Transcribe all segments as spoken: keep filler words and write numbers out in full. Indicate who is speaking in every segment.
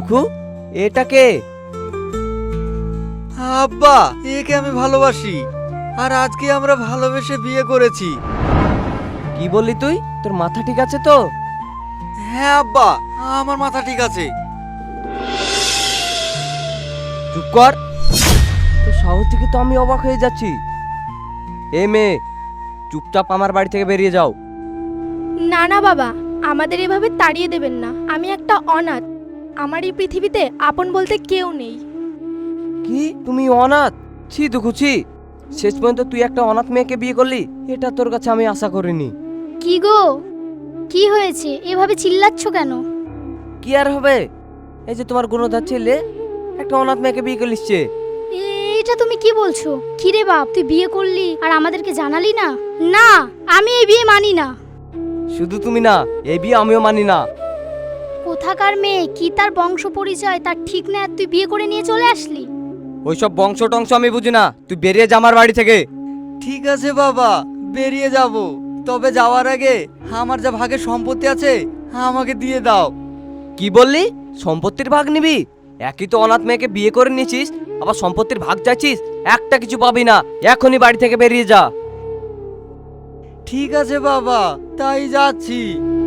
Speaker 1: দুঃখু, এটা কে?
Speaker 2: আব্বা, একে আমি ভালোবাসি, আর আজকে আমরা ভালোবেসে বিয়ে করেছি।
Speaker 1: কি বললি তুই? তোর মাথা ঠিক আছে তো?
Speaker 2: হ্যাঁ আব্বা, আমার মাথা ঠিক আছে।
Speaker 1: চুপ কর। তোর সাহস থেকে তো আমি অবাক হয়ে যাচ্ছি। এ মেয়ে, চুপচাপ আমার বাড়ি থেকে বেরিয়ে যাও।
Speaker 3: না না বাবা, আমাদের এভাবে তাড়িয়ে দেবেন না। আমি একটা অনাথ, আমার এই পৃথিবীতে আপন বলতে কেউ নেই।
Speaker 1: কি, তুমি অনাথ? ছি দুঃখু, ছি। শেষ পর্যন্ত তুই একটা অনাথ মেয়েকে বিয়ে করলি, এটা তোর কাছে আমি আশা করিনি।
Speaker 4: কি গো, কি হয়েছে? এভাবে চিল্লাচ্ছ কেন?
Speaker 1: কি আর হবে, এই যে তোমার গুণধর ছেলে একটা অনাথ মেয়েকে বিয়ে করে নিচ্ছে।
Speaker 4: এটা তুমি কি বলছো? কি রে বাপ, তুই বিয়ে করলি আর আমাদেরকে জানালি না? না, আমি এই বিয়ে মানি না।
Speaker 1: শুধু তুমি না, এই বিয়ে আমিও মানি না।
Speaker 4: কোথাকার মেয়ে, কি তার বংশ পরিচয় তার ঠিক না, আর তুই বিয়ে করে নিয়ে চলে আসলি?
Speaker 1: ওইসব বংশ টংশ আমি বুঝি না, তুই বেরিয়ে যা আমার বাড়ি থেকে।
Speaker 2: ঠিক আছে বাবা, বেরিয়ে যাব, তবে যাওয়ার আগে আমার যা ভাগে সম্পত্তি আছে আমাকে দিয়ে দাও।
Speaker 1: কি বললি? সম্পত্তির ভাগ নিবি? একই তো অনাথ মেয়েকে বিয়ে করে নিয়েছিস, আবার সম্পত্তির ভাগ চাইছিস? একটা কিছু পাবি না, এখনই বাড়ি থেকে বেরিয়ে যা।
Speaker 2: ঠিক আছে বাবা, তাই যাচ্ছি।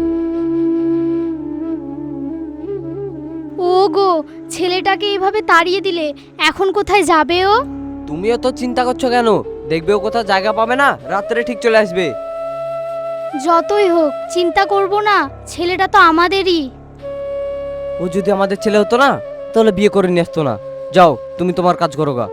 Speaker 4: ও গো, ছেলেটাকে এইভাবে তাড়িয়ে দিলে, এখন কোথায় যাবে ও?
Speaker 1: তুমিও তো চিন্তা করছো কেন? দেখবে ও কোথাও জায়গা পাবে না, রাত্রে ঠিক চলে আসবে।
Speaker 4: যতই হোক চিন্তা করব না, ছেলেটা তো আমাদেরই।
Speaker 1: ও যদি আমাদের ছেলে হতো না, তাহলে বিয়ে করে নিয়ে আসতো না। যাও, তুমি তোমার কাজ করো গা।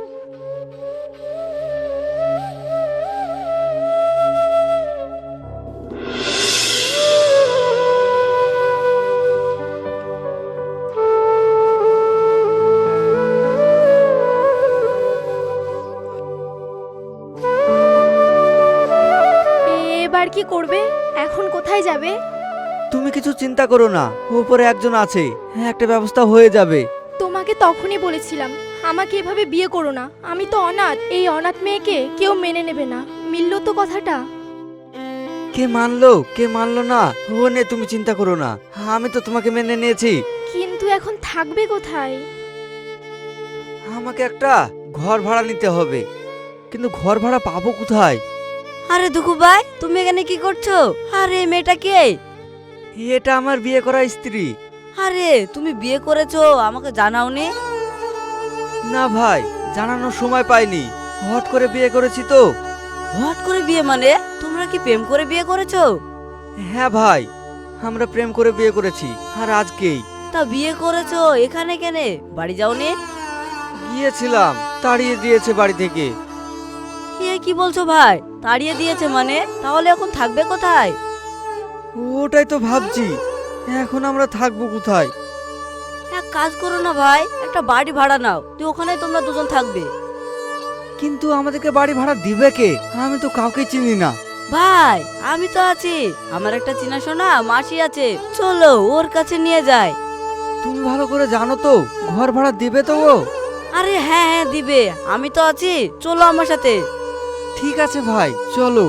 Speaker 3: এবার কি করবে? এখন কোথায় যাবে?
Speaker 2: তুমি কিছু চিন্তা করো না, উপরে একজন আছে, একটা ব্যবস্থা হয়ে যাবে।
Speaker 3: তোমাকে তখনই বলেছিলাম আমাকে এভাবে বিয়ে করো না। আমি তো অনাথ, এই অনাথ মেয়েকে কেউ মেনে নেবে না। মিললো তো কথাটা।
Speaker 2: কে মানলো কে মানলো না ও নিয়ে তুমি চিন্তা করো না, আমি তো তোমাকে মেনে নিয়েছি।
Speaker 3: কিন্তু এখন থাকবে কোথায়?
Speaker 2: আমাকে একটা ঘর ভাড়া নিতে হবে, কিন্তু ঘর ভাড়া পাবো কোথায়?
Speaker 5: আরে দুঃখু ভাই, তুমি এখানে কি করছো? আরে এই মেয়েটা কে?
Speaker 2: এটা আমার বিয়ে করা স্ত্রী।
Speaker 5: আরে তুমি বিয়ে করেছো, আমাকে জানাওনি?
Speaker 2: না ভাই, জানানোর সময় পাইনি, হট করে বিয়ে করেছি তো।
Speaker 5: হট করে বিয়ে মানে? তোমরা কি প্রেম করে বিয়ে করেছো?
Speaker 2: হ্যাঁ ভাই, আমরা প্রেম করে বিয়ে করেছি, আর আজকেই।
Speaker 5: তা বিয়ে করেছো এখানে কেনে? বাড়ি যাওনি?
Speaker 2: গিয়েছিলাম, তাড়িয়ে দিয়েছে বাড়ি থেকে।
Speaker 5: এ কি বলছো ভাই? তাড়িয়ে দিয়েছে মানে? তাহলে এখন থাকবে কোথায়?
Speaker 2: ওটাই তো ভাবছি, এখন আমরা থাকবো কোথায়?
Speaker 5: এক কাজ করো না ভাই, একটা বাড়ি ভাড়া নাও, তুই ওখানে তোমরা দুজন থাকবে।
Speaker 2: কিন্তু আমাদেরকে বাড়ি ভাড়া দিবে কে? আমি তো কাউকে চিনি না।
Speaker 5: ভাই আমি তো আছি, আমার একটা চেনাশোনা মাসি আছে, চলো ওর কাছে নিয়ে যায়।
Speaker 2: তুমি ভালো করে জানো তো ঘর ভাড়া দিবে তো ও?
Speaker 5: আরে হ্যাঁ হ্যাঁ দিবে, আমি তো আছি, চলো আমার সাথে।
Speaker 2: ঠিক আছে ভাই, চলো।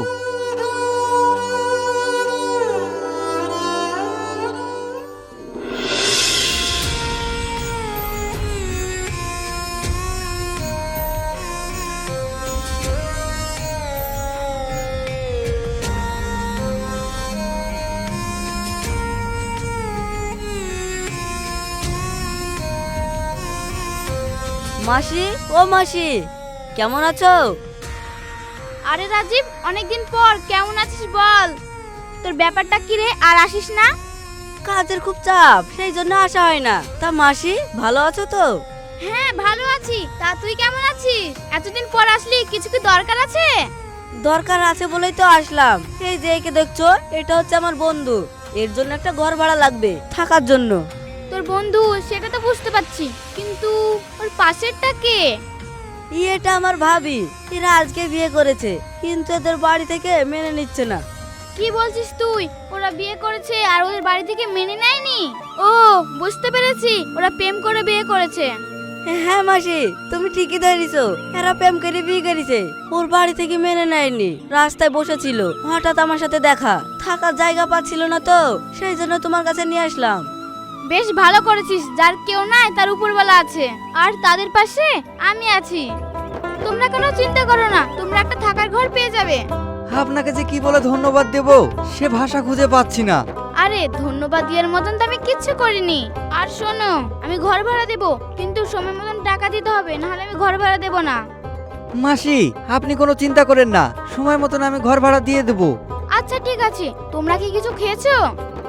Speaker 5: মাসি, ও মাসি, কেমন আছো?
Speaker 4: আরে রাজীব, অনেকদিন পর, কেমন আছিস বল? তোর ব্যাপারটা কি রে, আর আসিস না?
Speaker 5: কাজের খুব চাপ, সেই জন্য আসা হয় না। তা মাসি ভালো আছো তো?
Speaker 4: হ্যাঁ ভালো আছি, তা তুই কেমন আছিস? এতদিন পর আসলি, কিছু কি দরকার আছে?
Speaker 5: দরকার আছে বলেই তো আসলাম। এই যে একে দেখছো, এটা হচ্ছে আমার বন্ধু, এর জন্য একটা ঘর ভাড়া লাগবে থাকার জন্য।
Speaker 4: তোর বন্ধু সেটা তো বুঝতে পারছি, কিন্তু ওর পাশেরটা কে?
Speaker 5: এটা আমার ভাবি, এরা আজকে বিয়ে করেছে, কিন্তু এদের বাড়ি থেকে মেনে নিচ্ছে না।
Speaker 4: কি বলছিস তুই? ওরা বিয়ে করেছে আর ওদের বাড়ি থেকে মেনে নেয়নি? ও, বুঝতে পেরেছি, ওরা প্রেম করে বিয়ে করেছে।
Speaker 5: হ্যাঁ মাসি, তুমি ঠিকই ধরেছো, এরা প্রেম করে বিয়ে করেছে। ওর বাড়ি থেকে মেনে নেয়নি, রাস্তায় বসেছিল, হঠাৎ আমার সাথে দেখা, থাকার জায়গা পাচ্ছিল না তো, সেই জন্য তোমার কাছে নিয়ে আসলাম।
Speaker 4: বেশ ভালো করেছিস, যার কেউ নাই তার উপরওয়ালা আছে, আর তাদের পাশে আমি আছি। তোমরা কোনো চিন্তা করো না, তোমরা একটা থাকার ঘর পেয়ে যাবে।
Speaker 2: আপনাকে যে কি বলে ধন্যবাদ দেব সে ভাষা খুঁজে পাচ্ছি না।
Speaker 4: আরে ধন্যবাদ দেওয়ার মতন তো আমি কিচ্ছু করিনি। আর শোনো, আমি ঘর ভাড়া দেব, কিন্তু সময় মতন টাকা দিতে হবে, নাহলে আমি ঘর ভাড়া দেব না।
Speaker 2: মাসি আপনি কোনো চিন্তা করেন না, সময় মতন আমি ঘর ভাড়া দিয়ে দেব।
Speaker 4: আচ্ছা ঠিক আছে, তোমরা কি কিছু খেয়েছো?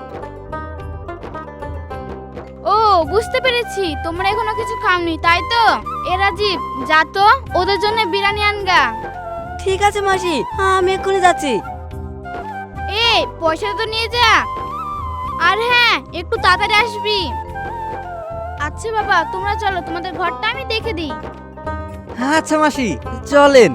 Speaker 4: ও বুঝতে পেরেছি, তোমরা এখনো কিছু খাওনি তাই তো। এ রাজীব, যা তো ওদের জন্য বিরিয়ানি আনগা।
Speaker 5: ঠিক আছে মাসি, আমি এক্ষুনি যাচ্ছি।
Speaker 4: এ পয়সা তো নিয়ে যা, আর হ্যাঁ একটু তাড়াতাড়ি আসবি। আচ্ছা বাবা, তোমরা চলো, তোমাদের ঘরটা আমি দেখে দিই।
Speaker 2: আচ্ছা মাসি চলেন।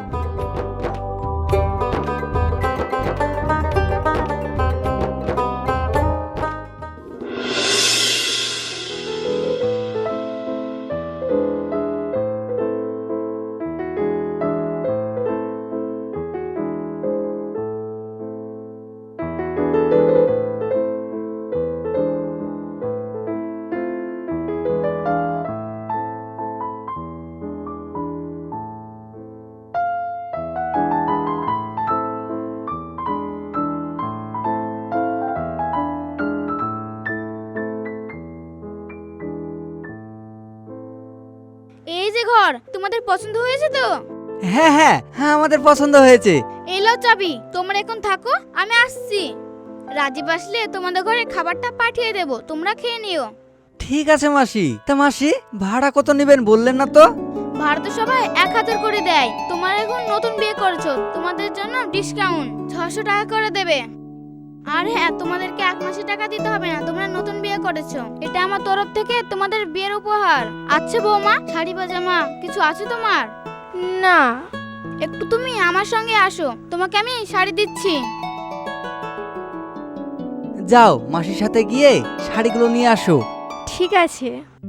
Speaker 4: এই যে ঘর, তোমাদের পছন্দ হয়েছে তো?
Speaker 2: হ্যাঁ হ্যাঁ হ্যাঁ আমাদের পছন্দ হয়েছে।
Speaker 4: এলো চাবি, তোমরা এখন থাকো, আমি আসছি। রাজীব আসলে তোমাদের ঘরে খাবারটা পাঠিয়ে দেব, তোমরা খেয়ে নিও।
Speaker 2: ঠিক আছে মাসি। তা মাসি ভাড়া কত নেবেন বললেন না তো?
Speaker 4: ভাড়া তো সবাই এক হাজার করে দেয়, তোমরা এখন নতুন বিয়ে করেছো, তোমাদের জন্য ডিসকাউন্ট ছশো টাকা করে দেবে। আর হ্যাঁ, তোমাদেরকে এক মাসের টাকা দিতে হবে না, তোমরা নতুন বিয়ে করেছো, এটা আমার তরফ থেকে তোমাদের বিয়ের উপহার। আচ্ছা বৌমা, শাড়ি পাজামা কিছু আছে তোমার?
Speaker 3: না।
Speaker 4: একটু তুমি আমার সঙ্গে আসো, তোমাকে আমি শাড়ি দিচ্ছি।
Speaker 2: যাও মাসির সাথে গিয়ে শাড়িগুলো নিয়ে আসো।
Speaker 3: ঠিক আছে।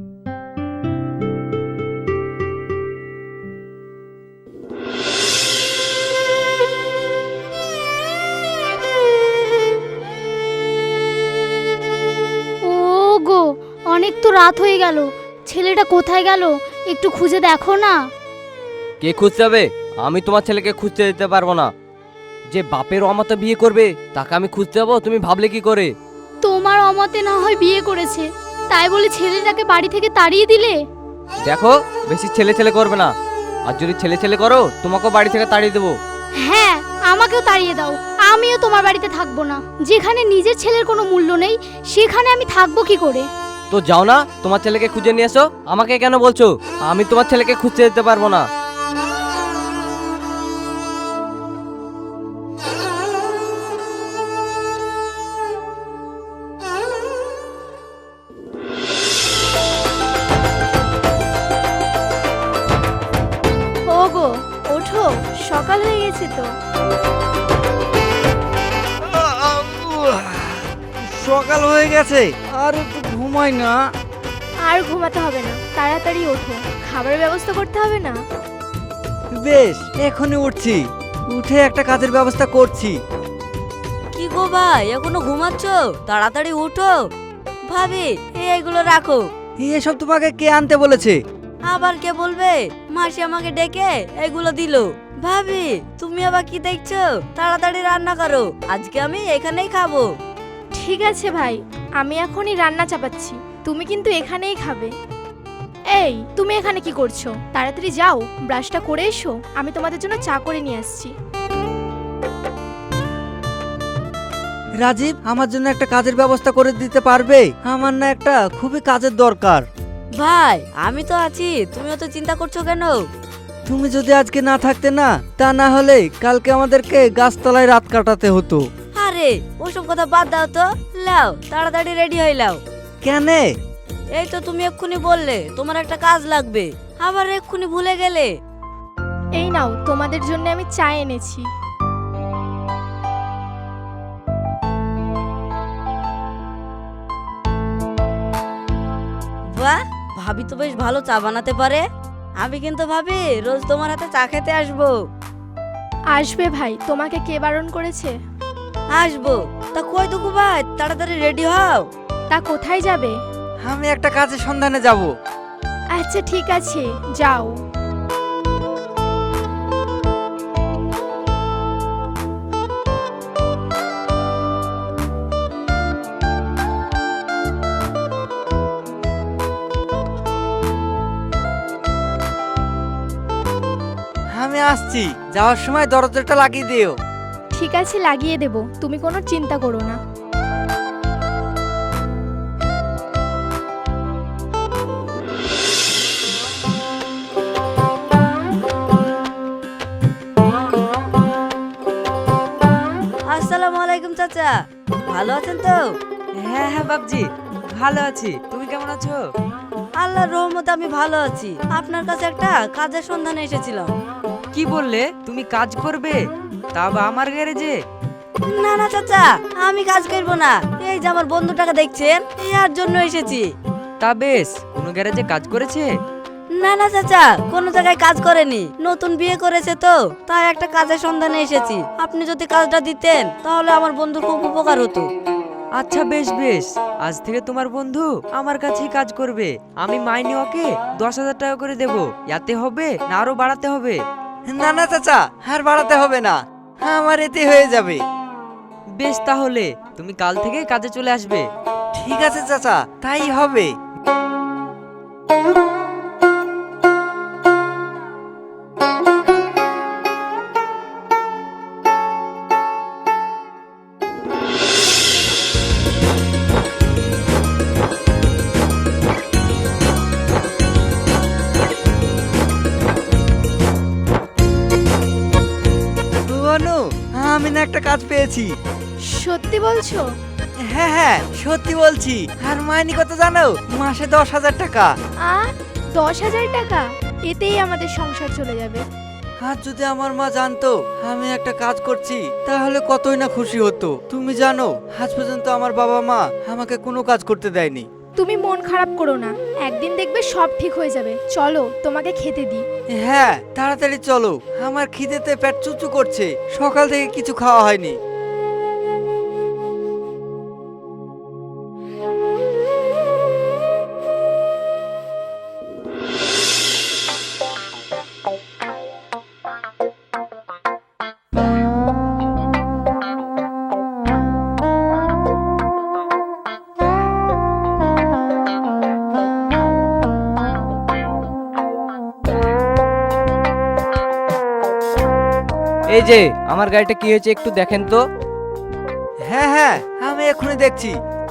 Speaker 6: ও গো, অনেক তো রাত হয়ে গেল, ছেলেটা কোথায় গেল একটু খুঁজে দেখো না।
Speaker 1: কে খুঁজতে হবে? আমি তোমার ছেলেকে খুঁজতে দিতে পারবো না। যে বাপের অমতে বিয়ে করবে তাকে আমি খুঁজতে যাবো? তুমি ভাবলে কি করে?
Speaker 6: তোমার অমতে না হয় বিয়ে করেছে, তাই বলে ছেলেটাকে বাড়ি থেকে তাড়িয়ে দিলে?
Speaker 1: দেখো, বেশি ছেলে ছেলে করবে না, আর যদি ছেলে ছেলে করো তোমাকেও বাড়ি থেকে তাড়িয়ে দেবো।
Speaker 6: হ্যাঁ, আমাকেও তাড়িয়ে দাও, আমিও তোমার বাড়িতে থাকবো না। যেখানে নিজের ছেলের কোনো মূল্য নেই সেখানে আমি থাকবো কি করে?
Speaker 1: তো যাও না, তোমার ছেলেকে খুঁজে নিয়ে এসো। আমাকে কেন বলছো? আমি তোমার ছেলেকে খুঁজতে দিতে পারবো না।
Speaker 3: ওগো, ওঠো, সকাল হয়ে গেছে তো।
Speaker 2: সকাল হয়ে গেছে, আর একটু ঘুমাই না।
Speaker 3: আর ঘুমাতে হবে না, তাড়াতাড়ি ওঠো, খাবারের ব্যবস্থা করতে হবে না?
Speaker 2: বেশ, এখনই উঠছি, উঠে একটা কাজের ব্যবস্থা করছি।
Speaker 5: কি গো ভাই, এখনো ঘুমাচ্ছ? তাড়াতাড়ি উঠো। ভাবি, এই এইগুলো রাখো।
Speaker 2: এসব তোমাকে কে আনতে বলেছে?
Speaker 5: আবার কে বলবে? মাসি আমাকে ডেকে এগুলো দিল। ভাবি, তুমি আবার কি দেখছো? তাড়াতাড়ি রান্না করো, আজকে আমি এখানেই খাবো।
Speaker 3: ঠিক আছে ভাই, আমি এখনই রান্না চাপাচ্ছি, তুমি কিন্তু এখানেই খাবে। এই, তুমি এখানে কি করছো? তাড়াতাড়ি যাও, ব্রাশটা করে এসো, আমি তোমাদের জন্য চা করে নিয়ে আসছি।
Speaker 2: রাজীব, আমার জন্য একটা কাজের ব্যবস্থা করে দিতে পারবে? আমার না একটা খুবই কাজের দরকার।
Speaker 5: ভাই, আমি তো আছি, তুমিও তো চিন্তা করছো কেন?
Speaker 2: তুমি যদি আজকে না থাকতে না, তা না হলে কালকে আমাদেরকে গাছতলায় রাত কাটাতে হতো।
Speaker 5: আরে ওসব কথা বাদ দাও তো, লাও তাড়াতাড়ি রেডি হয়ে লাও।
Speaker 2: কেনে?
Speaker 5: এই তো তুমি এক্ষুনি বললে তোমার একটা কাজ লাগবে, আবার এক্ষুনি ভুলে গেলে।
Speaker 3: এই নাও, তোমাদের জন্য আমি চা এনেছি।
Speaker 5: বাহ, ভাবি তো বেশ ভালো চা বানাতে পারে। আমি কিন্তু ভাবি রোজ তোমার হাতে চা খেতে আসবো।
Speaker 3: আসবে ভাই, তোমাকে কে বারণ করেছে?
Speaker 5: আসবো। তা কই দুকু ভাই, তাড়াতাড়ি রেডি হও।
Speaker 3: তা কোথায় যাবে?
Speaker 2: আমি একটা কাজের সন্ধানে যাব।
Speaker 3: আচ্ছা ঠিক আছে, যাও।
Speaker 2: আমি আসছি, যাওয়ার সময় দরজাটা লাগিয়ে দিও।
Speaker 3: ঠিক আছে, লাগিয়ে দেব, তুমি কোনো চিন্তা করো না।
Speaker 5: আসসালামু আলাইকুম চাচা, ভালো আছেন তো?
Speaker 7: হ্যাঁ হ্যাঁ বাবজি, ভালো আছি। তুমি কেমন আছো?
Speaker 5: আল্লাহর রহমতে আমি ভালো আছি। আপনার কাছে একটা কাজের সন্ধানে এসেছিলাম।
Speaker 7: কি বললে তুমি কাজ করবে, তা বা আমার গ্যারেজে?
Speaker 5: না না চাচা, আমি কাজ করব না। এই যে আমার বন্ধুটাকে দেখছেন, এর জন্য এসেছি।
Speaker 7: তা বেশ, কোনো গ্যারেজে কাজ করেছে?
Speaker 5: না না চাচা, কোনো জায়গায় কাজ করেনি, নতুন বিয়ে করেছে তো, তাই একটা কাজের সন্ধানে এসেছি। আপনি যদি কাজটা দিতেন তাহলে আমার বন্ধুর খুব উপকার হতো।
Speaker 7: আচ্ছা বেশ বেশ, আজ থেকে তোমার বন্ধু আমার কাছেই কাজ করবে। আমি মাইনে ওকে দশ হাজার টাকা করে দেবো। ইয়াতে হবে না আরো বাড়াতে হবে?
Speaker 2: না না চাচা, আর বাড়াতে হবে না, আমার এতে হয়ে যাবে।
Speaker 7: বেশ, তাহলে তুমি কাল থেকে কাজে চলে আসবে।
Speaker 2: ঠিক আছে চাচা, তাই হবে। অনু, আমি না একটা কাজ পেয়েছি।
Speaker 3: সত্যি বলছো?
Speaker 2: হ্যাঁ হ্যাঁ, সত্যি বলছি। আর মাইনে কত জানো? মাসে দশ হাজার টাকা।
Speaker 3: আ দশ হাজার টাকা? এতেই আমাদের সংসার চলে যাবে।
Speaker 2: আর যদি আমার মা জানতো আমি একটা কাজ করছি, তাহলে কতই না খুশি হতো। তুমি জানো, আজ পর্যন্ত আমার বাবা মা আমাকে কোনো কাজ করতে দেয়নি।
Speaker 3: তুমি মন খারাপ করো না, একদিন দেখবে সব ঠিক হয়ে যাবে। চলো তোমাকে খেতে দিই।
Speaker 2: হ্যাঁ, তাড়াতাড়ি চলো, আমার খিদেতে পেট চুচু করছে, সকাল থেকে কিছু খাওয়া হয়নি।
Speaker 1: এই যে আমার গাড়িটা কি হয়েছে একটু দেখেন তো।
Speaker 2: হ্যাঁ হ্যাঁ, আমি এখনই দেখছি।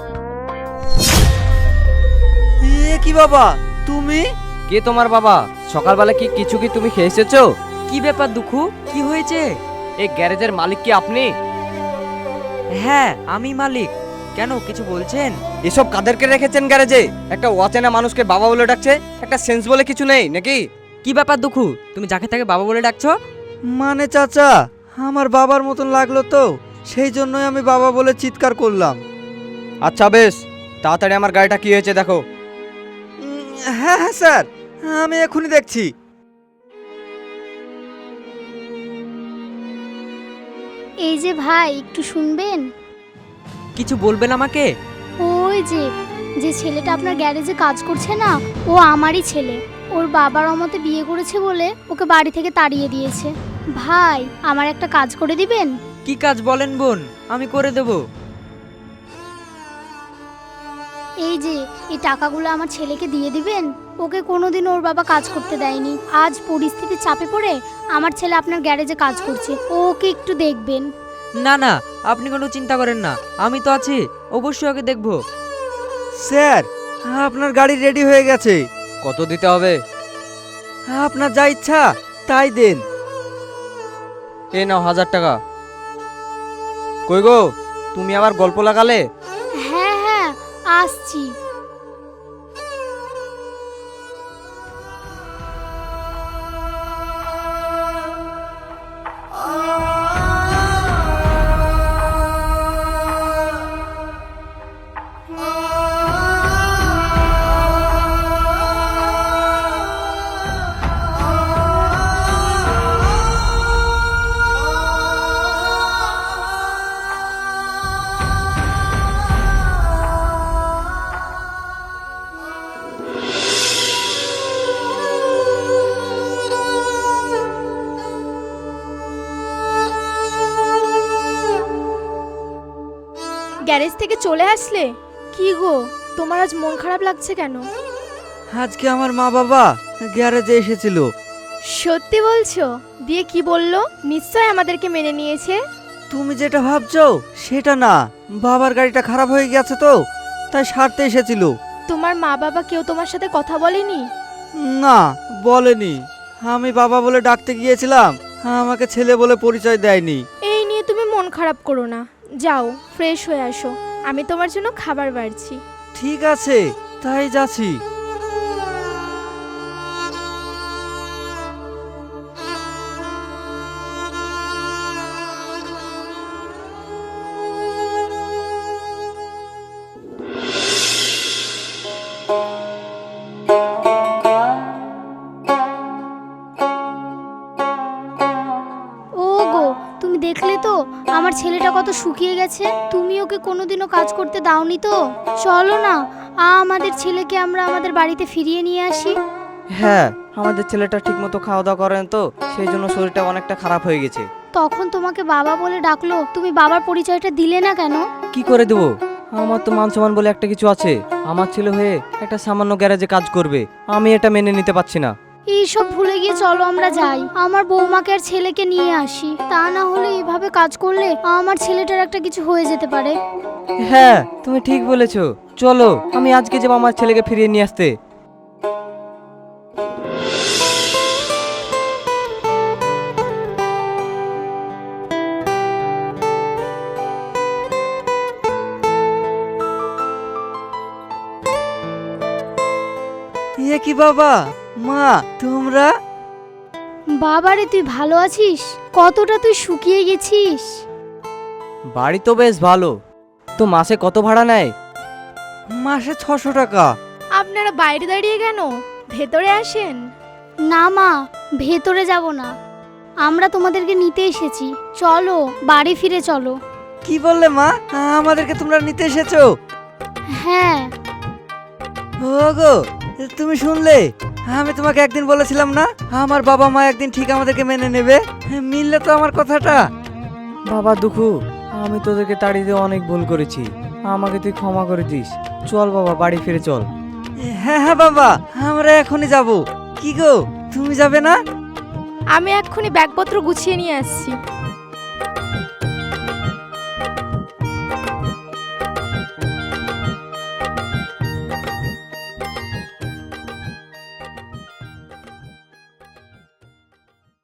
Speaker 2: এ কি বাবা, তুমি?
Speaker 1: কে তোমার বাবা? সকালবেলা কি কিছু কি তুমি খেয়ে এসেছো?
Speaker 7: কি ব্যাপার দুঃখু, কি হয়েছে?
Speaker 1: এই গ্যারেজের মালিক কি আপনি?
Speaker 7: হ্যাঁ আমি মালিক। কেন, কিছু বলছেন?
Speaker 1: এসব কাদেরকে রেখেছেন গ্যারেজে? একটা অচেনা মানুষকে বাবা বলে ডাকছে, একটা সেন্স বলে কিছু নেই নাকি?
Speaker 7: কি ব্যাপার দুঃখু, তুমি যাকে তাকে বাবা বলে ডাকছো?
Speaker 2: মানে চাচা, আমার বাবার মতন লাগলো তো, সেই জন্যই আমি বাবা বলে চিৎকার করলাম।
Speaker 1: আচ্ছা বেশ, তাড়াতাড়ি আমার গাড়িটা কি হয়েছে দেখো।
Speaker 2: উম, হ্যাঁ হ্যাঁ স্যার, আমি এখনই দেখছি।
Speaker 6: এই যে ভাই, একটু শুনবেন?
Speaker 7: কিছু বলবেন আমাকে?
Speaker 6: ওই যে যে ছেলেটা আপনার গ্যারেজে কাজ করছে না, ও আমারই ছেলে। ওর বাবার অমতে বিয়ে করেছে বলে ওকে বাড়ি থেকে তাড়িয়ে দিয়েছে। ভাই, আমার একটা কাজ করে দিবেন?
Speaker 7: কি কাজ বলেন বোন, আমি করে দেব।
Speaker 6: এই যে এই টাকাগুলো আমার ছেলেকে দিয়ে দিবেন। ওকে কোনোদিন ওর বাবা কাজ করতে দেয়নি, আজ পরিস্থিতির চাপে পড়ে আমার ছেলে আপনার গ্যারেজে কাজ করছে, ও ওকে একটু দেখবেন।
Speaker 7: না না, আপনি কোনো চিন্তা করেন না, আমি তো আছি, অবশ্যই ওকে দেখবো।
Speaker 2: স্যার, আপনার গাড়ি রেডি হয়ে গেছে।
Speaker 1: কত দিতে হবে?
Speaker 2: আপনার যা ইচ্ছা তাই দেন।
Speaker 1: এ নাও হাজার টাকা। কই গো, তুমি আবার গল্প লাগালে?
Speaker 6: হ্যাঁ হ্যাঁ, আসছি।
Speaker 3: গ্যারেজ থেকে চলে আসলে? কি গো, তোমার আজ মন খারাপ লাগছে কেন?
Speaker 2: আজকে আমার মা বাবা গ্যারেজে এসেছিল।
Speaker 3: সত্যি বলছো? দিয়ে কি বললো? নিশ্চয় আমাদেরকে মেনে নিয়েছে।
Speaker 2: তুমি যেটা ভাবছো সেটা না, বাবার গাড়িটা খারাপ হয়ে গেছে তো, তাই সারতে এসেছিল।
Speaker 3: তোমার মা বাবা কেউ তোমার সাথে কথা বলেনি?
Speaker 2: না, বলেনি। আমি বাবা বলে ডাকতে গিয়েছিলাম, আমাকে ছেলে বলে পরিচয় দেয়নি।
Speaker 3: এই নিয়ে তুমি মন খারাপ করো না, যাও ফ্রেশ হয়ে আসো, আমি তোমার জন্য খাবার বাড়ছি।
Speaker 2: ঠিক আছে, তাই যাচ্ছি।
Speaker 6: ও গো, তুমি দেখলে তো আমার ছেলেটা কত শুকিয়ে গেছে। তুমি ওকে কোনোদিনও কাজ করতে দাওনি তো? চলো না, আ আমাদের ছেলেকে আমরা আমাদের বাড়িতে ফিরিয়ে নিয়ে আসি।
Speaker 1: হ্যাঁ, আমাদের ছেলেটা ঠিকমতো খাওয়া দাওয়া করেন তো, সেই জন্য শরীরটা অনেকটা খারাপ হয়ে গেছে।
Speaker 6: তখন তোমাকে বাবা বলে ডাকলো, তুমি বাবার পরিচয়টা দিলে না কেন?
Speaker 1: কি করে দেবো? আমার তো মান সম্মান বলে একটা কিছু আছে। আমার ছেলে হয়ে একটা সামান্য গ্যারেজে কাজ করবে, আমি এটা মেনে নিতে পারছি না।
Speaker 6: এইসব ভুলে গিয়ে চলো আমরা যাই, আমার বৌমাকে আর ছেলেকে নিয়ে আসি। তা না হলে এভাবে কাজ করলে আমার ছেলেটার একটা কিছু হয়ে যেতে পারে।
Speaker 1: হ্যাঁ, তুমি ঠিক বলেছো। চলো, আমি আজকে যাবো আমার ছেলেকে ফিরিয়ে নিয়ে আসতে।
Speaker 2: এ কি বাবা, মা, তোমরা?
Speaker 6: বাবারে, তুই ভালো আছিস? কতটা তুই শুকিয়ে গেছিস।
Speaker 1: বাড়ি তো বেশ ভালো। তো মাসে কত ভাড়া নেয়?
Speaker 2: মাসে ছশো টাকা।
Speaker 3: আপনারা বাইরে দাঁড়িয়ে কেন? ভেতরে আসেন।
Speaker 6: না মা, ভেতরে যাব না, আমরা তোমাদেরকে নিতে এসেছি। চলো বাড়ি ফিরে চলো।
Speaker 2: কি বললে মা, আমাদেরকে তোমরা নিতে এসেছো?
Speaker 6: হ্যাঁ।
Speaker 2: ওগো, তুমি শুনলে? আমি তোমাকে একদিন বলেছিলাম না, আমার বাবা মা একদিন ঠিক আমাদেরকে মেনে নেবে। মিললে তো আমার কথাটা।
Speaker 1: বাবা দুঃখু, আমি তোদেরকে তাড়িয়ে দিয়ে অনেক ভুল করেছি, আমাকে তুই ক্ষমা করে দিস। চল বাবা, বাড়ি ফিরে চল।
Speaker 2: হ্যাঁ হ্যাঁ বাবা, আমরা এখনই যাব। কি গো, তুমি যাবে না?
Speaker 3: আমি এক্ষুনি ব্যাগপত্র গুছিয়ে নিয়ে আসছি।